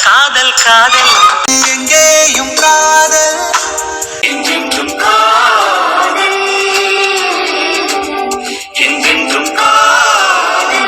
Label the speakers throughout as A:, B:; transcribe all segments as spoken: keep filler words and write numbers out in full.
A: காதல் காதல் எங்கேயும் காதல் என்றென்றும் காதல் என்றென்றும் காதல்.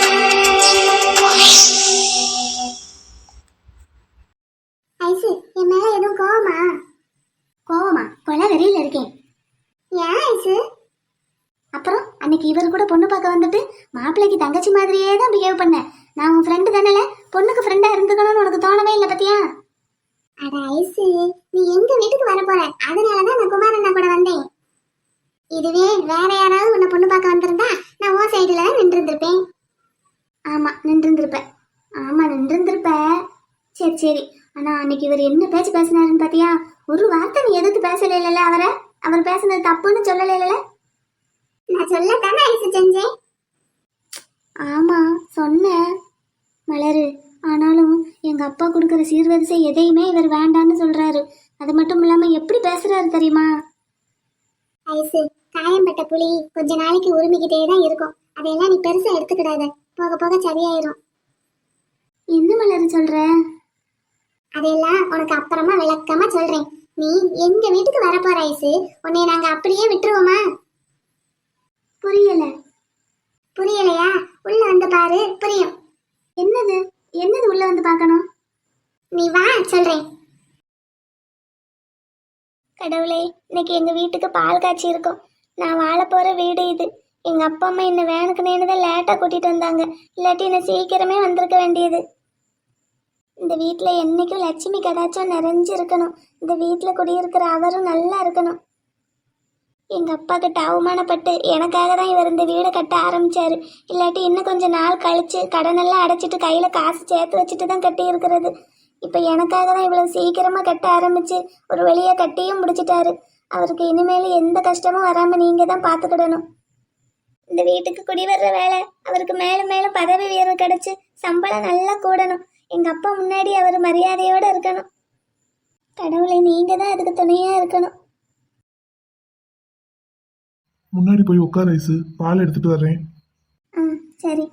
B: ஐசு, என் மேல எதுவும் கோவமா? கோவமா? கொலை வெறியில இருக்கேன். ஏன் ஐசு? அப்புறம் அன்னைக்கு இவர் கூட பொண்ணு பார்க்க வந்துட்டு மாப்பிள்ளைக்கு தங்கச்சி மாதிரியே தான் பிஹேவ் பண்ண. நான் உன் ஃப்ரெண்டு தானே, பொண்ணுக்கு ஃப்ரெண்டா இருந்துக்கணும்னு உனக்கு தோணவே இல்லை பத்தியா? அட ஐசு, நீ எங்க வீட்டுக்கு வர போற, அதனாலதான் நான் குமார் அண்ணா கூட வந்தேன். இதுவே வேற யாராவது உன்னை பொண்ணு பார்க்க வந்திருந்தா நான் உன் சைடுல தான் நின்று இருந்திருப்பேன். ஆமா, நின்று இருந்திருப்பேன். ஆமா, நின்று இருந்திருப்ப. சரி சரி. ஆனா அன்னைக்கு இவர் என்ன பேச்சு பேசினாருன்னு பாத்தியா? ஒரு வார்த்தை நீ எதிர்த்து பேசல இல்ல அவரை. அவர் பேசுனது தப்புன்னு சொல்லல இல்ல. நான் சொல்லத்தானே ஐசு செஞ்சேன். ஆமா சொன்னேன் மலரு. ஆனாலும் எங்க அப்பா கொடுக்குற சீர்வரிசை எதையுமே இவர் வேண்டான்னு சொல்றாரு. அது மட்டும் இல்லாம எப்படி பேசுறாரு தெரியுமா? ஐசு, காயம்பட்ட புலி கொஞ்ச நாளைக்கு உரிமிக்கிட்டே தான் இருக்கும். அதையெல்லாம் நீ பெருசா எடுத்துக்கிடாத, போக போக சரியாயிரும். என்ன மலரு சொல்ற? அதையெல்லாம் உனக்கு அப்புறமா விளக்கமா சொல்றேன். நீ எங்க வீட்டுக்கு வர போற ஐசு, உன்னை நாங்க அப்படியே விட்டுருவோமா? புரியல. புரியலையா? உள்ள வந்து பாரு, புரியும். என்னது என்னது உள்ள வந்து பார்க்கணும்? நீ வா, சொல்றேன். கடவுளே, இன்னைக்கு எங்க வீட்டுக்கு பால் காய்ச்சி இருக்கும். நான் வாழ போற வீடு இது. எங்க அப்பா அம்மா என்ன வேனுக்கு நேனுதான் லேட்டா கூட்டிட்டு வந்தாங்க. இல்லாட்டி என்ன சீக்கிரமே வந்திருக்க வேண்டியது. இந்த வீட்டுல என்னைக்கும் லட்சுமி கடாச்சம் நிறைஞ்சு இருக்கணும். இந்த வீட்டுல குடியிருக்கிற அவரும் நல்லா இருக்கணும். எங்க அப்பா கிட்ட அவமானப்பட்டு எனக்காக தான் இவர் இந்த வீடை கட்ட ஆரம்பிச்சாரு. இல்லாட்டி இன்னும் கொஞ்சம் நாள் கழிச்சு கடனெல்லாம் அடைச்சிட்டு கையில காசு சேர்த்து வச்சுட்டு தான் கட்டி இருக்கிறது. இப்ப எனக்காக தான் இவ்வளவு சீக்கிரமா கட்ட ஆரம்பிச்சு ஒரு வழியை கட்டியும் முடிச்சிட்டாரு. அவருக்கு இனிமேல் எந்த கஷ்டமும் வராம நீங்க தான் பாத்துக்கிடணும். இந்த வீட்டுக்கு குடி வர்ற வேலை அவருக்கு மேலும் மேலும் பதவி உயர்வு கிடைச்சு சம்பளம் நல்லா கூடணும். எங்க அப்பா முன்னாடி அவர் மரியாதையோட இருக்கணும். கடவுளை, நீங்க தான் அதுக்கு துணையா இருக்கணும்.
C: முன்னாடி போய் உட்கார ஐசு, பால் எடுத்துட்டு வர்றேன்.
B: ஆ சரி.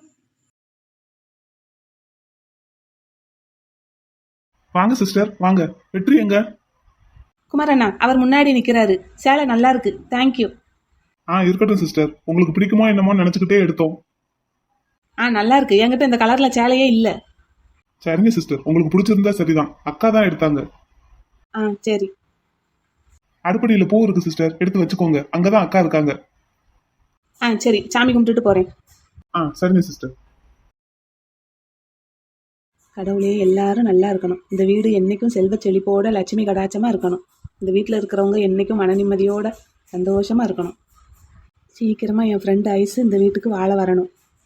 C: வாங்க சிஸ்டர், வாங்க. வெற்றி எங்க?
D: குமாரண்ணா அவர் முன்னாடி நிக்கிறாரு. சேலை நல்லா இருக்கு, தேங்க்யூ.
C: ஆ இருக்கட்டும் சிஸ்டர், உங்களுக்கு பிடிக்குமோ என்னமோ நினைச்சுக்கிட்டே எடுத்தோம்.
D: ஆ நல்லா இருக்கு. என்கிட்ட இந்த கலர்ல சேலையே இல்ல.
C: சரிங்க சிஸ்டர், உங்களுக்கு பிடிச்சிருந்தா சரிதான். அக்கா தான் எடுத்தாங்க.
D: ஆ சரி.
C: அடுப்படியில பூ இருக்கு சிஸ்டர், எடுத்து வச்சுக்கோங்க. அங்கதான் அக்கா இருக்காங்க.
D: ஆ சரி, சாமி கும்பிட்டுட்டு போறேன்.
C: ஆ சரிங்க சிஸ்டர்.
D: கடவுளே, எல்லாரும் நல்லா இருக்கணும். இந்த வீடு என்னைக்கும் செல்வ செழிப்போட லட்சுமி கடாச்சமா இருக்கணும். இந்த வீட்டில் இருக்கிறவங்க என்னைக்கும் மன நிம்மதியோட சந்தோஷமா இருக்கணும். சீக்கிரமா என் ஃப்ரெண்டு ஐஸ் இந்த வீட்டுக்கு வாழ வரணும்.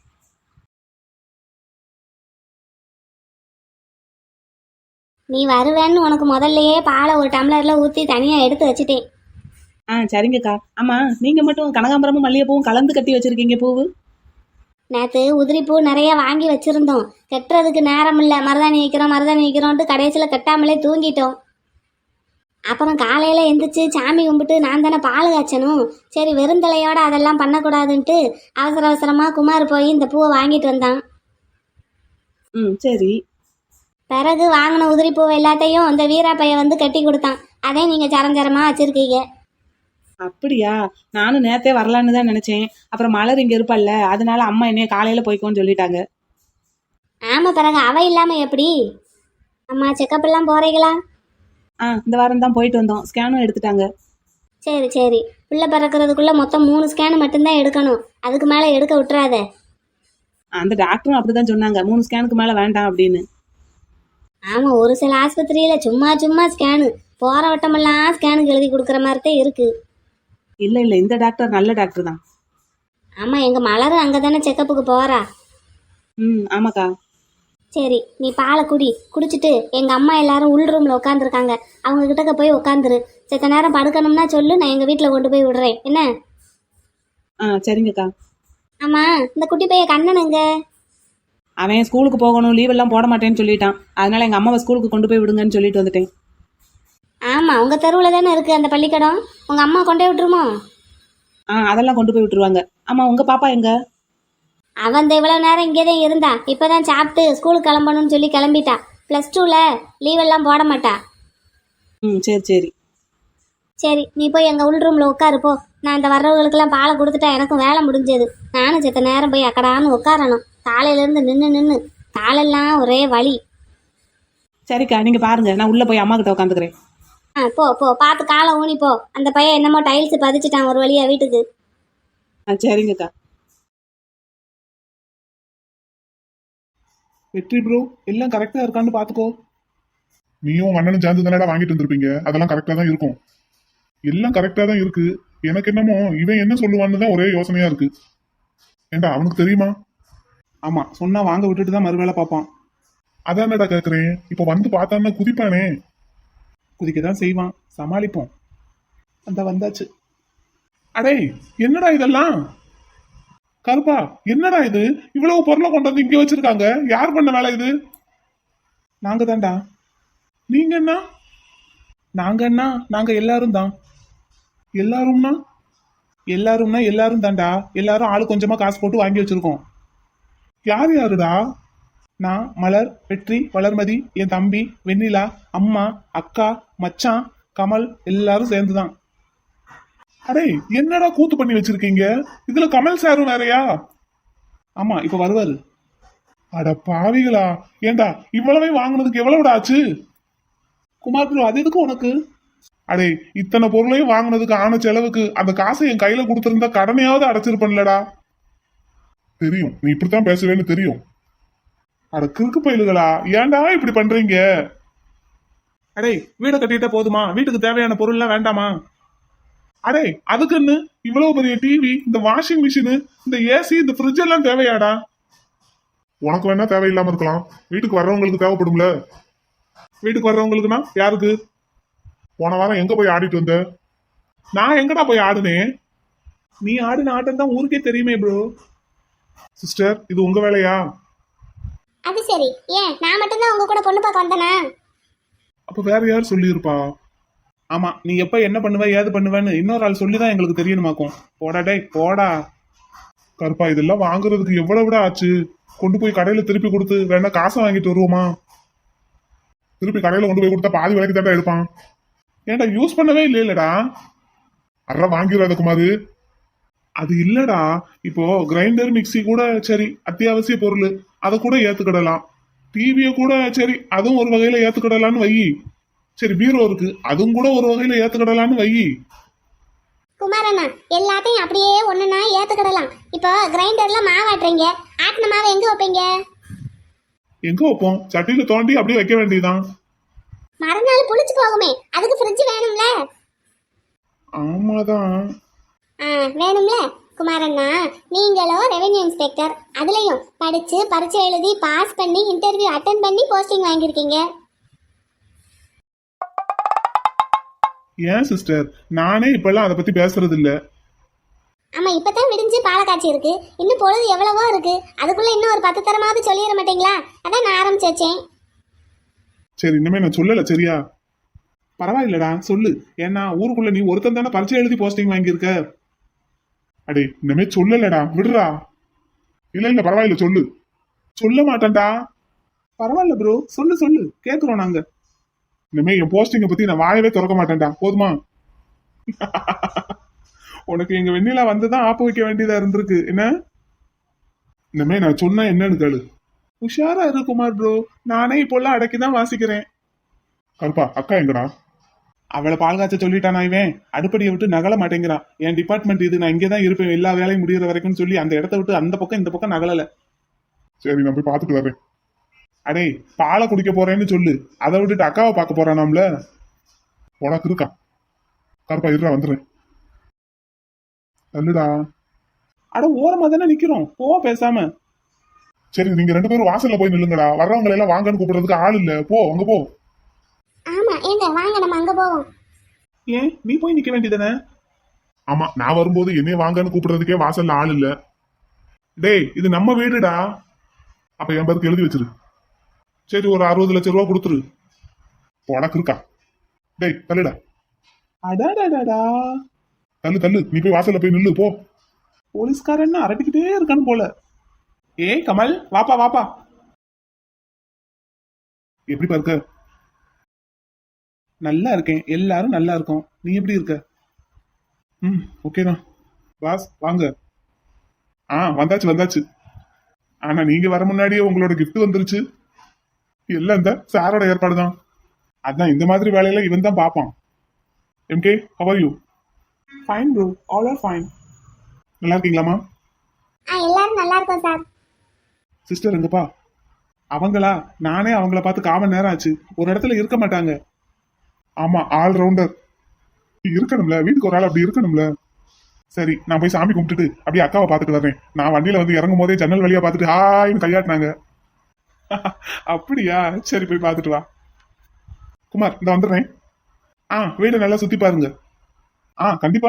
B: நீ வருவேன்னு உனக்கு முதல்லயே பாலை ஒரு டம்ளர்ல ஊத்தி தனியா எடுத்து வச்சுட்டேன்.
D: ஆ சரிங்கக்கா. ஆமா, நீங்க மட்டும் கனகாம்பரமும் மல்லிகைப்பூவும் கலந்து கட்டி வச்சிருக்கீங்க பூவு.
B: நேற்று உதிரிப்பூ நிறைய வாங்கி வச்சிருந்தோம். கட்டுறதுக்கு நேரம் இல்லை. மருதாணி வைக்கிறோம் மருதாணி வைக்கிறோன்ட்டு கடைசியில் கட்டாமலே தூங்கிட்டோம். அப்புறம் காலையில் எந்திரிச்சு சாமி கும்பிட்டு நான் தானே பால் காய்ச்சணும். சரி, வெறுந்தலையோட அதெல்லாம் பண்ணக்கூடாதுன்ட்டு அவசர அவசரமாக குமார் போய் இந்த பூவை வாங்கிட்டு வந்தான்.
D: ம் சரி.
B: பிறகு வாங்கின உதிரிப்பூவை எல்லாத்தையும் இந்த வீராப்பைய வந்து கட்டி கொடுத்தான். அதே நீங்கள் சரஞ்சரமாக வச்சுருக்கீங்க.
D: அப்படியா? நானும் நேத்தே வரலான்னு தான் நினைச்சேன். அப்புறம் மலர் இங்க இருப்பல்ல, அதனால அம்மா என்னைய காலையில போய்க்கோன்னு சொல்லிட்டாங்க.
B: ஆமா, பிறகு அவ இல்லாம எப்படி? அம்மா செக்கப் எல்லாம் போறீங்களா?
D: ஆ இந்த வாரம் தான் போயிட்டு வந்தோம். ஸ்கேனும் எடுத்துட்டாங்க.
B: சரி சரி. பிள்ளை பிறக்கிறதுக்குள்ள மொத்தம் மூணு ஸ்கேன் மட்டும்தான் எடுக்கணும். அதுக்கு மேல எடுக்க விட்டுறாத.
D: அந்த டாக்டரும் அப்படிதான் சொன்னாங்க, மூணு ஸ்கேனுக்கு மேல வேண்டாம் அப்படின்னு.
B: ஆமா, ஒரு சில ஆஸ்பத்திரியில சும்மா சும்மா ஸ்கேனு போற வட்டமெல்லாம் ஸ்கேனுக்கு எழுதி கொடுக்குற மாதிரி தான் இருக்கு.
D: இல்ல இல்ல, இந்த டாக்டர் நல்ல டாக்டர் தான்.
B: ஆமா, எங்க மலரும் அங்கதானே செக்கப்புக்கு போறா.
D: ம் ஆமாக்கா.
B: சரி, நீ பாலை குடி. குடிச்சிட்டு எங்க அம்மா எல்லாரும் உள் ரூம்ல உட்காந்துருக்காங்க, அவங்க கிட்டக்க போய் உட்காந்துரு. செத்த நேரம் படுக்கணும்னா சொல்லு, நான் எங்க வீட்டுல கொண்டு போய் விடுறேன். என்ன?
D: ஆ சரிங்கக்கா.
B: ஆமா, இந்த குட்டி பையன் கண்ணன் எங்க?
D: அவன் ஸ்கூலுக்கு போகணும், லீவ் எல்லாம் போட மாட்டேன்னு சொல்லிட்டான். அதனால எங்க அம்மாவை ஸ்கூலுக்கு கொண்டு போய் விடுங்கன்னு சொல்லிட்டு வந்துட்டேன்.
B: ஆமா, உங்க தெருவுல தானே இருக்கு அந்த பள்ளிக்கூடம். உங்க அம்மா கொண்டே விட்டுருமோ?
D: ஆ அதெல்லாம் கொண்டு போய் விட்டுருவாங்க. ஆமா, உங்க பாப்பா எங்க?
B: அவன் இவ்வளவு நேரம் இங்கேதான் இருந்தா. இப்பதான் சாப்பிட்டு ஸ்கூலுக்கு கிளம்பணும்னு சொல்லி கிளம்பிட்டா. ப்ளஸ் டூவில் லீவெல்லாம் போட மாட்டா.
D: ம் சரி சரி.
B: சரி நீ போய் எங்கள் உள் ரூமில் உட்காரு போ. நான் இந்த வர்றவங்களுக்கெல்லாம் பாலை கொடுத்துட்டா எனக்கும் வேலை முடிஞ்சது. நானும் செத்த நேரம் போய் அக்கடான்னு உட்காரணும். காலையிலேருந்து நின்று நின்று காலெல்லாம் ஒரே வலி.
D: சரிக்கா நீங்கள் பாருங்கள், நான் உள்ளே போய் அம்மா கிட்ட உட்காந்துக்கிறேன்.
B: ஆ போ போ, பார்த்து காலை ஊனி போ. அந்த பையன் என்னமோ டைல்ஸ் பதிச்சிட்டான் ஒரு வழியா வீட்டுக்கு.
D: ஆ சரிங்கக்கா.
C: வெற்றி ப்ரோ எல்லாம் கரெக்டா இருக்கான்னு பாத்துக்கோ. நீயும் அண்ணனும் சேர்ந்து தானடா வாங்கிட்டு வந்திருப்பீங்க, அதெல்லாம் கரெக்டா தான் இருக்கும். எல்லாம் கரெக்டா தான் இருக்கு. எனக்கு என்னமோ இவன் என்ன சொல்லுவான்னு தான் ஒரே யோசனையா இருக்கு. ஏண்டா அவனுக்கு தெரியுமா?
E: ஆமா, சொன்னா வாங்க விட்டுட்டு தான் மறுவேளை பார்ப்பான்.
C: அதானடா கேக்குறேன். இப்ப வந்து பார்த்தான்னா குதிப்பானே.
E: குதிக்க தான் செய்வான், சமாளிப்போம். அந்த வந்தாச்சு.
C: அடே என்னடா இதெல்லாம்? கருப்பா என்னடா இது? இவ்வளவு பொருளை கொண்டு வந்து இங்க வச்சிருக்காங்க. யார் பண்ண வேலை இது?
E: நாங்க தான்டா.
C: நீங்க என்ன?
E: நாங்க என்ன? நாங்க எல்லாரும் தான்.
C: எல்லாரும்னா?
E: எல்லாரும்னா எல்லாரும் தான்டா. எல்லாரும் ஆளு கொஞ்சமா காசு போட்டு வாங்கி வச்சிருக்கோம்.
C: யார் யாருடா?
E: நான், மலர், வெற்றி, வளர்மதி, என் தம்பி, வெண்ணிலா, அம்மா, அக்கா, மச்சான், கமல் எல்லாரும் சேர்ந்துதான்.
C: அடே என்னடா கூத்து பண்ணி வச்சிருக்கீங்க? இதுல கமல் சாரும் வேறயா?
E: ஆமா, இப்ப வருவாரு.
C: அட பாவிகளா! ஏண்டா இவ்வளவே வாங்குனதுக்கு எவ்வளவுடா ஆச்சு?
E: குமார் ப்ரோ, அது எதுக்கு உனக்கு?
C: அடே இத்தனை பொருளையும் வாங்குனதுக்கு ஆன செலவுக்கு அந்த காசை என் கையில கொடுத்திருந்தா கடனையாவது அடைச்சிருப்பேன்லடா. தெரியும் நீ இப்படித்தான் பேசுவேன்னு தெரியும். அட கிறுக்கு பயிலுகளா, ஏன்டா இப்படி பண்றீங்க?
E: அடே வீடை கட்டிட்டா போதுமா? வீட்டுக்கு தேவையான பொருள்லாம் வேண்டாமா?
C: அடே அதுக்குன்னு இவ்வளவு பெரிய டிவி, இந்த வாஷிங் மிஷின், இந்த ஏசி, இந்த ஃப்ரிட்ஜ் எல்லாம் தேவையாடா? உனக்கு வேணா தேவையில்லாம இருக்கலாம், வீட்டுக்கு வர்றவங்களுக்கு தேவைப்படும்ல. வீட்டுக்கு வர்றவங்களுக்குன்னா யாருக்கு? போன வாரம் எங்க போய் ஆடிட்டு வந்த? நான் எங்கடா போய் ஆடுனேன்?
E: நீ ஆடின ஆட்டம் தான் ஊருக்கே தெரியுமே ப்ரோ.
C: சிஸ்டர் இது உங்க வேலையா?
B: அது சரி, ஏன் நான் மட்டும்தான் உங்க கூட பொண்ணு பார்க்க வந்தேனா?
C: அப்ப வேற யார் சொல்லியிருப்பா?
E: ஆமா, நீ எப்ப என்ன பண்ணுவ ஏது பண்ணுவேன்னு இன்னொரு ஆள் சொல்லிதான் எங்களுக்கு தெரியணுமாக்கும். போடா டே போடா.
C: கருப்பா இதெல்லாம் வாங்குறதுக்கு எவ்வளவுடா ஆச்சு? கொண்டு போய் கடையில திருப்பி கொடுத்து வேணா காசை வாங்கிட்டு வருவோமா? திருப்பி கடையில கொண்டு போய் கொடுத்தா பாதி விலைக்கு தாண்டா எடுப்பான். ஏன்டா யூஸ் பண்ணவே இல்லைல்லடா? அற வாங்கிடுறாத குமாரு. அது இல்லடா, இப்போ கிரைண்டர் மிக்சி கூட சரி அத்தியாவசிய பொருள், அதை கூட ஏத்துக்கிடலாம். டிவியை கூட சரி அதுவும் ஒரு வகையில ஏத்துக்கிடலான்னு வை. சரி பீரோ இருக்கு, அதுவும் கூட ஒரு வகையில ஏத்துக்கிடலான்னு வை.
B: குமாரண்ணா எல்லாத்தையும் அப்படியே ஒண்ணுனா ஏத்துக்கிடலாம். இப்போ கிரைண்டர்ல மாவு ஆட்டுறீங்க, ஆட்டின மாவை எங்க வைப்பீங்க?
C: எங்க வைப்போம்? சட்டியில தோண்டி அப்படியே வைக்க வேண்டியதுதான்.
B: மறுநாள் புளிச்சு போகுமே, அதுக்கு ஃப்ரிட்ஜ் வேணும்ல.
C: ஆமாதான்.
B: ஆ வேணும்ல. குமாரண்ணா நீங்களும் ரெவென்யூ இன்ஸ்பெக்டர், அதுலயும் படிச்சு பரீட்சை எழுதி பாஸ் பண்ணி இன்டர்வியூ அட்டன் பண்ணி போஸ்டிங் வாங்கியிருக்கீங்க.
C: ஏன் சிஸ்டர், நானே இப்பெல்லாம் அதை பத்தி பேசுறது இல்ல.
B: ஆமா, இப்பதான் விடிஞ்சு பாலை காய்ச்சி இருக்கு, இன்னும் பொழுது எவ்வளவோ இருக்கு. அதுக்குள்ள இன்னும் ஒரு பத்து தரமாவது சொல்லிட மாட்டீங்களா? அதான் நான் ஆரம்பிச்சு வச்சேன்.
C: சரி இனிமே நான் சொல்லல சரியா?
E: பரவாயில்லடா சொல்லு. ஏன்னா ஊருக்குள்ள நீ ஒருத்தன் தானே பரீட்சை எழுதி போஸ்டிங் வாங்கியிருக்க.
C: அடே இனிமே சொல்லலடா, விடுறா. இல்ல இல்ல பரவாயில்ல சொல்லு.
E: சொல்ல மாட்டேன்டா. பரவாயில்ல ப்ரோ, சொல்லு சொல்லு, கேக்குறோம் நாங்க.
C: இனிமே என் போஸ்டிங்கை பத்தி நான் வாயவே திறக்க மாட்டேன்டா, போதுமா?
E: உனக்கு எங்க வெண்ணிலா வந்துதான் ஆப்பு வைக்க வேண்டியதா இருந்திருக்கு என்ன?
C: இனிமே நான் சொன்னா என்னன்னு கேளு.
E: உஷாரா இரு குமார் ப்ரோ, நானே இப்போல்லாம் அடக்கிதான் வாசிக்கிறேன்.
C: கருப்பா அக்கா எங்கடா?
E: அவளை பால் காய்ச்ச சொல்லிட்டானா இவன்? அடுப்படியை விட்டு நகல மாட்டேங்கிறான். என் டிபார்ட்மெண்ட் இது, நான் இங்கேதான் இருப்பேன் எல்லா வேலையும் முடிகிற வரைக்கும் சொல்லி அந்த இடத்த விட்டு அந்த பக்கம் இந்த பக்கம் நகலல.
C: சரி நான் போய் பார்த்துட்டு வரேன்.
E: அடே பாலை குடிக்க போறேன்னு சொல்லு, அதை விட்டுட்டு அக்காவை பார்க்க போறானாம்ல.
C: உனக்கு இருக்கா? கருப்பா இருடா வந்துடுறேன். நல்லுடா.
E: அட ஓரமா தானே நிக்கிறோம், போ பேசாம.
C: சரி நீங்க ரெண்டு பேரும் வாசல்ல போய் நில்லுங்கடா, வர்றவங்களை எல்லாம் வாங்கன்னு கூப்பிடுறதுக்கு ஆள் இல்ல. போ அங்க போ.
B: ஆமா ஏங்க வாங்க நம்ம அங்க போவோம்.
E: ஏன் நீ போய் நிக்க வேண்டியதானே?
C: ஆமா நான் வரும்போது என்னைய வாங்கன்னு கூப்பிடுறதுக்கே வாசல்ல ஆள் இல்ல. டேய் இது நம்ம வீடுடா. அப்ப என் பேருக்கு எழுதி வச்சிரு. சரி ஒரு அறுபது லட்சம் ரூபா கொடுத்துரு. உனக்கு இருக்கா? டேய் தள்ளுடா.
E: அடாடாடா.
C: தள்ளு தள்ளு, நீ போய் வாசல்ல போய் நில்லு போ.
E: போலீஸ்காரன் அரட்டிக்கிட்டே இருக்கான்னு போல. ஏய் கமல் வாப்பா வாப்பா.
C: எப்படிப்பா இருக்க?
E: நல்லா இருக்கேன், எல்லாரும் நல்லா இருக்கோம். நீ எப்படி இருக்க?
C: ம் ஓகே தான். பாஸ் வாங்க. ஆ வந்தாச்சு வந்தாச்சு. ஆனா நீங்க வர முன்னாடியே உங்களோட gift வந்துருச்சு. எல்லாம் இந்த சாரோட ஏற்பாடு தான். அதான் இந்த மாதிரி வேலையில இவன் தான் பார்ப்பான். M K how are you?
E: Fine bro, all are fine.
C: நல்லா இருக்கீங்களாமா?
B: ஆ எல்லாரும் நல்லா இருக்கோம் சார்.
C: சிஸ்டர் எங்கப்பா?
E: அவங்களா? நானே அவங்கள பார்த்து காமன் நேரம் ஆச்சு. ஒரு இடத்துல இருக்க மாட்டாங்க.
C: ஆமா ஆல் ரவுண்டர் இருக்கணும்ல, வீட்டுக்கு ஒரு ஆள் அப்படி இருக்கணும்ல. சரி நான் போய் சாமி கும்பிட்டுட்டு அப்படியே அக்காவை பார்த்துட்டு வரேன். நான் வண்டியில வந்து இறங்கும் போதே ஜன்னல் வழியா பார்த்துட்டு ஹாய்னு கையாட்டினாங்க.
E: அப்படியா? சரி, போய் பார்த்துட்டு வா.
C: குமார் இந்த வந்துடுறேன். ஆ வீடு நல்லா சுத்தி பாருங்க. ஆ கண்டிப்பா.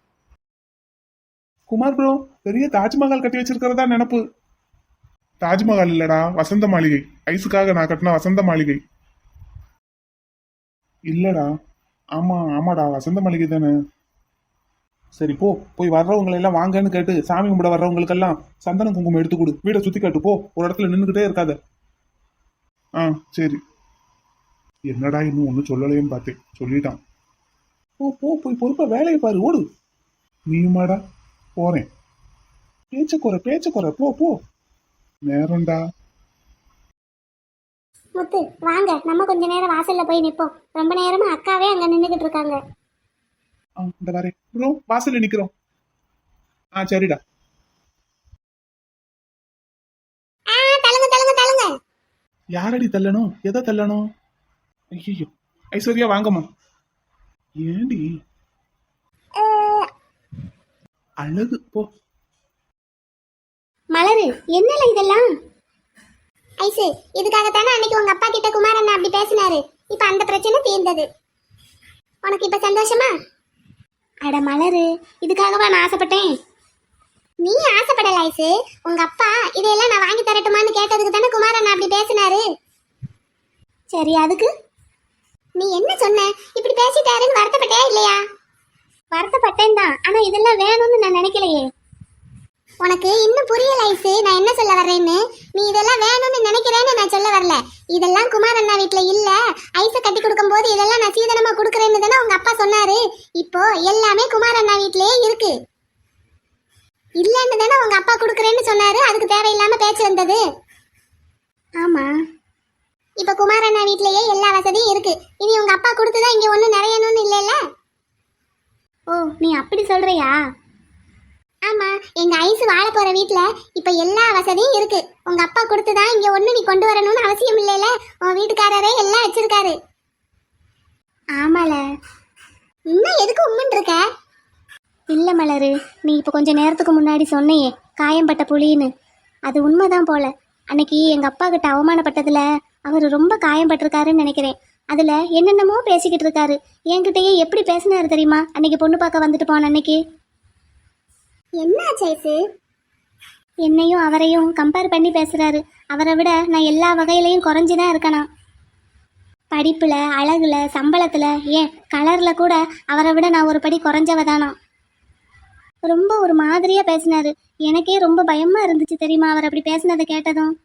E: குமார் ப்ரோ, பெரிய தாஜ்மஹால் கட்டி வச்சிருக்கிறதா நினப்பு.
C: தாஜ்மஹால் இல்லடா, வசந்த மாளிகை. ஐஸுக்காக நான் கட்டின வசந்த மாளிகை. இல்லடா. ஆமா ஆமாடா, வசந்த மாளிகை தானே.
E: சரி போ, போய் வர்றவங்களை எல்லாம் வாங்கன்னு கேட்டு சாமி கும்பிட வர்றவங்களுக்கெல்லாம் சந்தன குங்குமம் எடுத்து கொடு. வீடை சுத்தி காட்டு போ. ஒரு இடத்துல நின்றுகிட்டே இருக்காத.
C: ஆ சரி. என்னடா இன்னும் ஒன்றும் சொல்லலையேன்னு பார்த்தேன், சொல்லிட்டான்.
E: போ போ, போய் பொறுப்பா வேலையை பாரு, ஓடு.
C: நீயுமாடா? போறேன்.
E: பேச்ச குறை பேச்ச குறை, போ போ.
C: நேரம்டா.
B: முத்து வாங்க, நம்ம கொஞ்ச நேரம் வாசல்ல போய் நிப்போம். ரொம்ப நேரமா அக்காவே அங்க நின்னுகிட்டு இருக்காங்க.
E: ஆ இந்த வரேன் ப்ரோ, வாசல்ல நிக்கிறோம். ஆ சரிடா.
B: ஆ தள்ளுங்க தள்ளுங்க தள்ளுங்க.
E: யாரடி தள்ளணும்? எதை தள்ளணும்? ஐயோ, ஐஸ்வர்யா வாங்கம்மா. ஏண்டி அழகு? போ.
B: மலரு என்னல இதெல்லாம்? ஐசு இதுக்காகத்தானே அன்னைக்கு உங்க அப்பா கிட்ட குமாரண்ணா அப்படி பேசினாரு. இப்ப அந்த பிரச்சனை தீர்ந்தது. உனக்கு இப்ப சந்தோஷமா? அட மலரு, இதுக்காகவா நான் ஆசைப்பட்டேன்? நீ ஆசைப்படல ஐசு. உங்க அப்பா இதையெல்லாம் நான் வாங்கி தரட்டுமான்னு கேட்டதுக்கு தானே குமாரண்ணா அப்படி பேசினாரு. சரி அதுக்கு நீ என்ன சொன்ன? இப்படி பேசிட்டாருன்னு வருத்தப்பட்டியா இல்லையா? வருத்தப்பட்டேன் தான், ஆனா இதெல்லாம் வேணும்னு நான் நினைக்கலையே. உனக்கு இன்னும் புரியல ஐசு நான் என்ன சொல்ல வர்றேன்னு. நீ இதெல்லாம் வேணும்னு நினைக்கிறேன்னு நான் சொல்ல வரல. இதெல்லாம் குமார் அண்ணா வீட்டுல இல்ல, ஐச கட்டி கொடுக்கும் போது இதெல்லாம் நான் சீதனமா கொடுக்கறேன்னு தானே உங்க அப்பா சொன்னாரு. இப்போ எல்லாமே குமார் அண்ணா வீட்லயே இருக்கு. இல்லன்னு தானே உங்க அப்பா கொடுக்கறேன்னு சொன்னாரு. அதுக்கு தேவையில்லாம பேச்சு வந்தது. ஆமா, இப்ப குமார் அண்ணா வீட்லயே எல்லா வசதியும் இருக்கு. இனி உங்க அப்பா கொடுத்துதான் இங்க ஒண்ணு நிறையணும்னு இல்லைல்ல. ஓ நீ அப்படி சொல்றியா? ஆமா, எங்க ஐசு வாழ போற வீட்ல இப்ப எல்லா வசதியும் இருக்கு. உங்க அப்பா கொடுத்துதான் இங்க ஒண்ணு நீ கொண்டு வரணும்னு அவசியம் இல்லைல. உன் வீட்டுக்காரரே எல்லாம் வச்சிருக்காரு. ஆமால. இன்னும் எதுக்கு உம்முன்னு இருக்க? இல்ல மலரு, நீ இப்ப கொஞ்ச நேரத்துக்கு முன்னாடி சொன்னையே காயம்பட்ட புலின்னு, அது உண்மைதான் போல. அன்னைக்கு எங்க அப்பா கிட்ட அவமானப்பட்டதுல அவர் ரொம்ப காயம்பட்டிருக்காருன்னு நினைக்கிறேன். அதுல என்னென்னமோ பேசிக்கிட்டு இருக்காரு. என்கிட்டயே எப்படி பேசினாரு தெரியுமா அன்னைக்கு பொண்ணு பார்க்க வந்துட்டு போன அன்னைக்கு? என்ன சேசு? என்னையும் அவரையும் கம்பேர் பண்ணி பேசுறாரு. அவரை விட நான் எல்லா வகையிலையும் குறைஞ்சுதான் இருக்கேனா. படிப்புல, அழகுல, சம்பளத்துல, ஏன் கலர்ல கூட அவரை விட நான் ஒரு படி குறைஞ்சவதானா. ரொம்ப ஒரு மாதிரியா பேசினாரு. எனக்கே ரொம்ப பயமா இருந்துச்சு தெரியுமா அவர் அப்படி பேசினதை கேட்டதும்.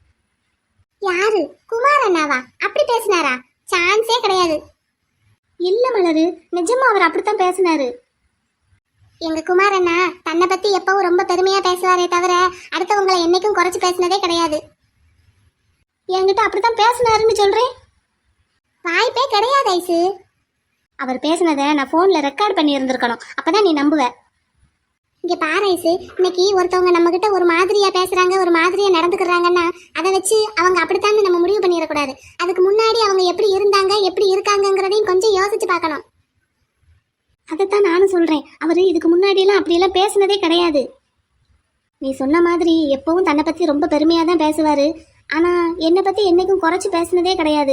B: யாரு? குமார் அண்ணாவா அப்படி பேசினாரா? சான்ஸே கிடையாது. இல்ல மலரு, நிஜமா அவர் அப்படித்தான் பேசினாரு. எங்க குமார் அண்ணா தன்னை பத்தி எப்பவும் ரொம்ப பெருமையா பேசுவாரே தவிர அடுத்தவங்களை என்னைக்கும் குறைச்சு பேசினதே கிடையாது. என்கிட்ட அப்படித்தான் பேசினாருன்னு சொல்றேன். வாய்ப்பே கிடையாது ஐசு. அவர் பேசினதை நான் போன்ல ரெக்கார்ட் பண்ணி இருந்திருக்கணும், அப்பதான் நீ நம்புவ. இங்க பாரு ஐசு, இன்னைக்கு ஒருத்தவங்க நம்ம கிட்ட ஒரு மாதிரியா பேசுறாங்க, ஒரு மாதிரியா நடந்துக்கிறாங்கன்னா அதை வச்சு அவங்க அப்படித்தான் நம்ம முடிவு பண்ணிடக்கூடாது. அதுக்கு முன்னாடி அவங்க எப்படி இருந்தாங்க, எப்படி இருக்காங்கிறதையும் கொஞ்சம் யோசிச்சு பார்க்கணும். அதைத்தான் நானும் சொல்றேன். அவரு இதுக்கு முன்னாடி எல்லாம் அப்படியெல்லாம் பேசினதே கிடையாது. நீ சொன்ன மாதிரி எப்பவும் தன்னை பத்தி ரொம்ப பெருமையா தான் பேசுவாரு. ஆனா என்னை பத்தி என்னைக்கும் குறைச்சு பேசினதே கிடையாது.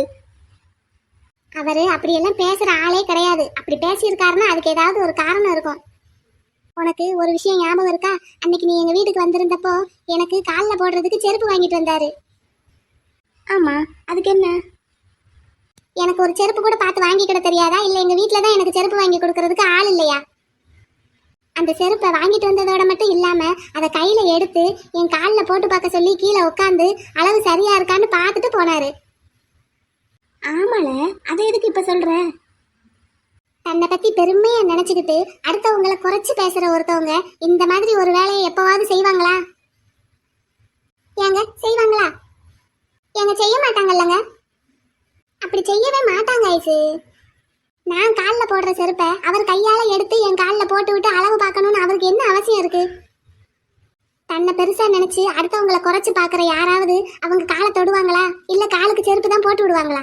B: அவரு அப்படியெல்லாம் பேசுற ஆளே கிடையாது. அப்படி பேசியிருக்காருன்னா அதுக்கு ஏதாவது ஒரு காரணம் இருக்கும். உனக்கு ஒரு விஷயம் ஞாபகம் இருக்கா? அன்னைக்கு நீ எங்க வீட்டுக்கு வந்திருந்தப்போ எனக்கு காலில் போடுறதுக்கு செருப்பு வாங்கிட்டு வந்தாரு. ஆமா, அதுக்கு என்ன? எனக்கு ஒரு செருப்பு கூட பார்த்து வாங்கிக்கிட தெரியாதா? இல்லை எங்க வீட்டில் தான் எனக்கு செருப்பு வாங்கி கொடுக்கறதுக்கு ஆள் இல்லையா? அந்த செருப்பை வாங்கிட்டு வந்ததோட மட்டும் இல்லாம அதை கையில எடுத்து என் காலில் போட்டு பார்க்க சொல்லி கீழே உட்காந்து அளவு சரியா இருக்கான்னு பார்த்துட்டு போனாரு. ஆமால, அதை எதுக்கு இப்ப சொல்ற? தன்னை பத்தி பெருமையா நினைச்சுக்கிட்டு அடுத்தவங்களை குறைச்சு பேசுற ஒருத்தவங்க இந்த மாதிரி ஒரு வேலையை எப்பவாவது செய்வாங்களா? ஏங்க செய்வாங்களா? ஏங்க செய்ய மாட்டாங்கல்லங்க. அப்படி செய்யவே மாட்டாங்க ஐசு. நான் காலில் போடுற செருப்பை அவர் கையால எடுத்து என் காலில் போட்டு விட்டு அளவு பார்க்கணும்னு அவருக்கு என்ன அவசியம் இருக்கு? தன்னை பெருசா நினைச்சு அடுத்தவங்களை குறைச்சு பாக்குற யாராவது அவங்க காலை தொடுவாங்களா? இல்ல காலுக்கு செருப்பு தான் போட்டு விடுவாங்களா?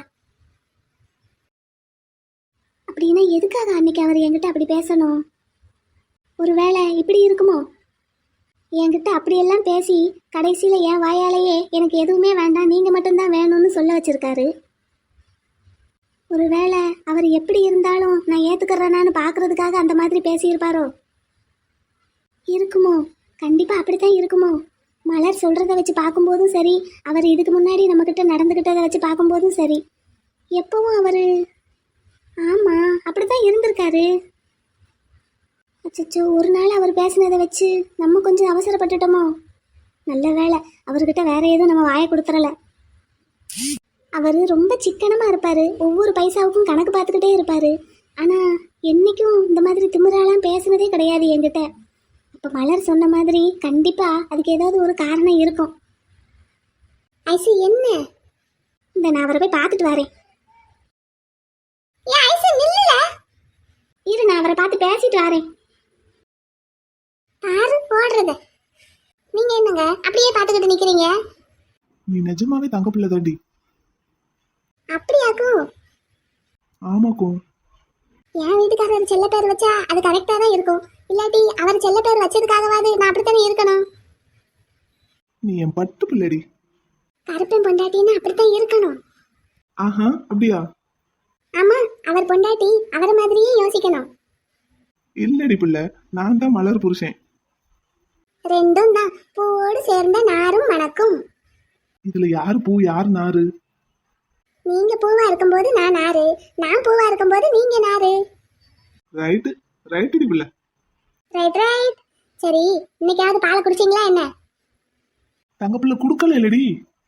B: அப்படின்னா எதுக்காக அன்னைக்கு அவர் என்கிட்ட அப்படி பேசணும்? ஒருவேளை இப்படி இருக்குமோ? என்கிட்ட அப்படியெல்லாம் பேசி கடைசியில என் வாயாலேயே எனக்கு எதுவுமே வேண்டாம், நீங்க மட்டும்தான் வேணும்னு சொல்ல வச்சிருக்காரு. ஒருவேளை அவர் எப்படி இருந்தாலும் நான் ஏத்துக்கிறேனான்னு பாக்குறதுக்காக அந்த மாதிரி பேசியிருப்பாரோ? இருக்குமோ? கண்டிப்பா அப்படித்தான் இருக்குமோ? மலர் சொல்றதை வச்சு பார்க்கும்போதும் சரி, அவர் இதுக்கு முன்னாடி நம்ம கிட்ட நடந்துகிட்டதை வச்சு பார்க்கும்போதும் சரி, எப்பவும் அவரு ஆமா அப்படித்தான் இருந்திருக்காரு. அச்சச்சோ, ஒரு நாள் அவர் பேசினதை வச்சு நம்ம கொஞ்சம் அவசரப்பட்டுட்டோமோ? நல்ல வேளை அவர்கிட்ட வேற எதுவும் நம்ம வாயை கொடுத்துறல. அவர் ரொம்ப சிக்கனமா இருப்பாரு, ஒவ்வொரு பைசாவுக்கும் கணக்கு பார்த்துக்கிட்டே இருப்பாரு. ஆனா என்னைக்கும் இந்த மாதிரி திமிராலாம் பேசுனதே கிடையாது என்கிட்ட. இப்ப மலர் சொன்ன மாதிரி கண்டிப்பா அதுக்கு ஏதாவது ஒரு காரணம் இருக்கும். ஐசு என்ன? இந்த நான் அவரை போய் பார்த்துட்டு வரேன். ஏன் ஐசு நில்லுல? இரு, நான் அவரை பார்த்து பேசிட்டு வரேன். பாரு போடுறத. நீங்க என்னங்க அப்படியே பார்த்துக்கிட்டு நிக்கிறீங்க?
E: நீ நிஜமாவே தங்க பிள்ளை தாண்டி.
B: அப்படியாக்கும்?
E: ஆமாக்கும்.
B: என் வீட்டுக்காரர் செல்ல பேர் வச்சா அது கரெக்டா தான் இருக்கும். இல்லாட்டி அவர் செல்ல பேர் வச்சதுக்காகவாது நான் அப்படித்தானே இருக்கணும்.
E: நீ என் பட்டு பிள்ளைடி.
B: கருப்பன் பொண்டாட்டின்னு அப்படித்தான் இருக்கணும்.
E: ஆஹா, அப்படியா?
B: ஆமா, அவர் பொண்டாட்டி அவரை மாதிரியே யோசிக்கணும்.
E: இல்லடி பிள்ளை, நான் தான் மலர் புருஷன்.
B: ரெண்டும் தான் பூவோடு சேர்ந்த நாரும் மணக்கும்.
E: இதுல யாரு பூ யாரு நாரு?
B: நீங்க பூவா இருக்கும்போது நான் நாரு, நான் பூவா இருக்கும்போது நீங்க நாரு.
E: ரைட்டு ரைட்டுடி பிள்ளை.
B: Right right. சரி, இன்னைக்காவது பாலை குடிச்சீங்களா என்ன?
E: தங்க பிள்ளை குடுக்கல இல்லடி.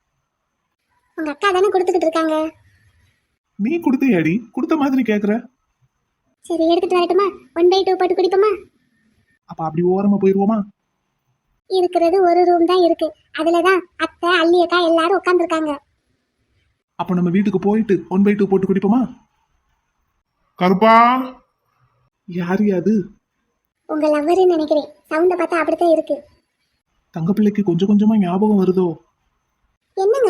B: உங்க அக்கா தானே கொடுத்துக்கிட்டு இருக்காங்க.
E: நீ கொடுத்தையாடி? கொடுத்த மாதிரி கேக்குற.
B: சரி, எடுத்துட்டு வரட்டுமா? ஒன் பை டூ போட்டு குடிப்போமா?
E: அப்ப அப்படி ஓரமா போயிருவோமா?
B: இருக்கிறது ஒரு ரூம் தான் இருக்கு, அதுலதான் அத்தை அள்ளி அக்கா எல்லாரும் உட்காந்துருக்காங்க.
E: அப்ப நம்ம வீட்டுக்கு போயிட்டு ஒன் பை டூ போட்டு குடிப்போமா?
C: கருப்பா,
E: யாரு அது?
B: உங்க லவ்வருன்னு நினைக்கிறேன், சவுண்ட பார்த்தா அப்படித்தான் இருக்கு.
E: தங்க பிள்ளைக்கு கொஞ்சம் கொஞ்சமா ஞாபகம் வருதோ?
B: என்னங்க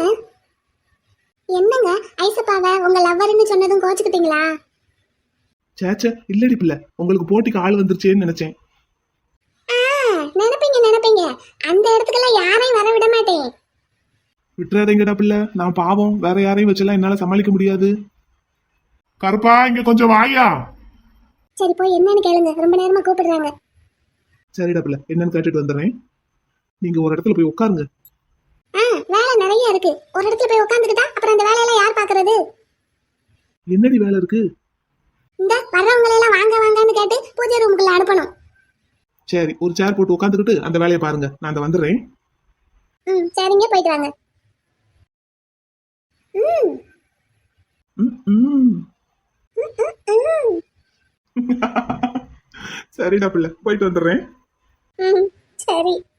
B: என்னங்க ஐசப்பாவை உங்க லவ்வருன்னு சொன்னதும் கோச்சுக்கிட்டீங்களா?
E: சேச்சே, இல்லடி பிள்ளை, உங்களுக்கு போட்டிக்கு ஆள் வந்துருச்சேன்னு நினைச்சேன்.
B: ஆ, நினைப்பீங்க நினைப்பீங்க, அந்த இடத்துக்கெல்லாம் யாரையும் வர விட மாட்டேன்.
E: விட்டுறாதீங்கடா பிள்ளை, நான் பாவம், வேற யாரையும் வச்செல்லாம் என்னால சமாளிக்க முடியாது.
C: கருப்பா இங்க கொஞ்சம் வாயா.
B: சரி, போய் என்னன்னு கேளுங்க, ரொம்ப நேரமா கூப்பிடுறாங்க.
E: சரிடா பிள்ளை, என்னன்னு கேட்டுட்டு வந்துடுறேன். நீங்க ஒரு இடத்துல போய் உட்காருங்க.
B: ஆ, வேலை நிறைய இருக்கு, ஒரு இடத்துல போய் உட்காந்துக்கிட்டா அப்புறம் அந்த வேலையெல்லாம் யார் பாக்குறது?
E: என்னடி வேலை இருக்கு?
B: இந்த வர்றவங்களை எல்லாம் வாங்க வாங்கன்னு கேட்டு பூஜை ரூமுக்குள்ள அனுப்பணும்.
E: சரி, ஒரு சேர் போட்டு உட்காந்துக்கிட்டு அந்த வேலையை பாருங்க, நான் அந்த வந்துடுறேன்.
B: ம், சரிங்க, போயிட்டு வாங்க. ம்
E: ம், ம்.
B: ம்
E: சரிடா பிள்ளை, போயிட்டு வந்துடுறேன்.
B: ம் சரி.